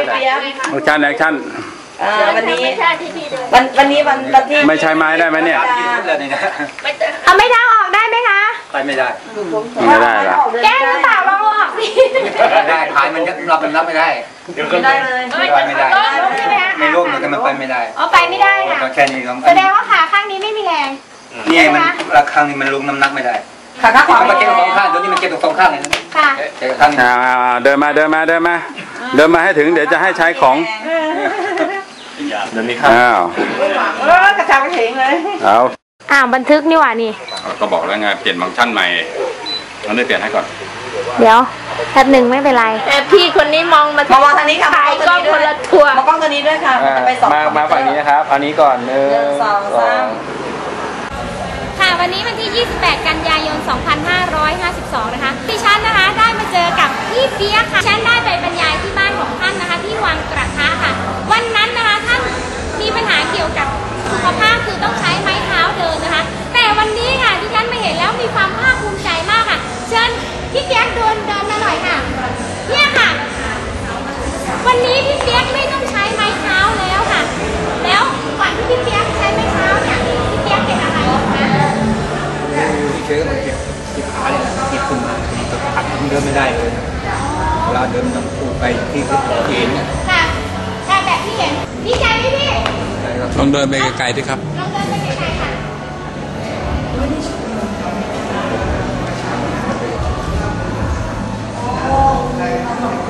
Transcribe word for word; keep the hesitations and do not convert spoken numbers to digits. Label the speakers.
Speaker 1: พี่เปี๊ยก
Speaker 2: แอคชั่นแอคชั่น
Speaker 1: วันนี้วันวันนี้วันวันที่
Speaker 2: ไม่ใช้ไม้ได้ไหมเนี่ย
Speaker 3: เอาไม่เท้าออกได้ไหมคะ
Speaker 4: ไปไม่ได้
Speaker 2: ไม่ได้ละ
Speaker 3: แก้หรือเปล่าลองออกสิ
Speaker 4: ไม่ได้ขายมันรับมันรับไม่ได้
Speaker 1: ไม่ได้เลย
Speaker 4: ไม่ได้ไม่ได้ไม่ร่วมมันมันไปไม่ได้
Speaker 3: อ๋อไปไม่ได้ค่ะ
Speaker 4: แค่นี้แ
Speaker 3: สดงว่าขาข้างนี้ไม่มีแรง
Speaker 4: นี่มันราคานี้มันลงน้ำหนักไม่ได้
Speaker 1: ขาข้างขวา
Speaker 4: มันเก็บตรงข้างตัวนี้มันเก็บตรงสองข้างเลย
Speaker 3: ค่ะ
Speaker 4: เก็บข้างนี้
Speaker 2: เดินมาเดินมาเดินมาเดินมาให้ถึงเดี๋ยวจะให้ใช้ของ
Speaker 4: เดี๋ยวนี้ครับ
Speaker 2: อ้าว
Speaker 1: เออกระชับกระเฉงเลย
Speaker 2: เอา
Speaker 3: อ้าวบันทึกนี่หว่านี่
Speaker 2: ก็บอกแล้วไงเปลี่ยนฟังก์ชันใหม่เราได้เปลี่ยนให้ก่อน
Speaker 3: เดี๋ยวแป๊บหนึ่งไม่เป็นไร
Speaker 5: แต่พี่คนนี้มองมา
Speaker 1: มองทางนี้ค่ะ
Speaker 5: ถ่ายกล้องคนละทัวร์
Speaker 1: มองกล้องตัวนี้ด้วยค่ะจะไปสอง
Speaker 4: มามาฝั่งนี้นะครับอันนี้ก่อนหนึ่ง
Speaker 1: สองสาม
Speaker 3: ค่ะวันนี้วันที่ยี่สิบแปดกันยายนสองพันห้าร้อยห้าสิบสองนะคะดิฉันนะคะได้มาเจอกับพี่เปี๊ยกค่ะฉันได้ไปบรรยายที่บ้านของท่านนะคะที่วังกระทะค่ะวันนั้นนะคะท่านมีปัญหาเกี่ยวกับสุขภาพคือต้องใช้ไม้เท้าเดินนะคะแต่วันนี้ค่ะดิฉันมาเห็นแล้วมีความภาคภูมิใจมากค่ะเชิญพี่เปี๊ยกเดินเดินมาหน่อยค่ะเนี่ยค่ะวันนี้พี่เปี๊ยกไม่ต้องใช้ไม้เท้าแล้วค่ะแล้วก่อนที่พี่เปี๊ยกใช้ไม้เท้าเนี่ยพี่เปี๊ยกเป็นอะไรคะ
Speaker 4: เชื้อมันเก็บเก็บขาเนี่ยเก็บขึ้นมาขัดเดินไม่ได้เลยเวลาเดินต้องปูไปที่เอ็นเนี่ย
Speaker 3: ค่ะแต่แบบที่เห็นดีใจไหมพี่
Speaker 2: ลองเดินไปไกลๆด้วยครับ
Speaker 3: ลองเดินไปไกลๆค่ะโอ้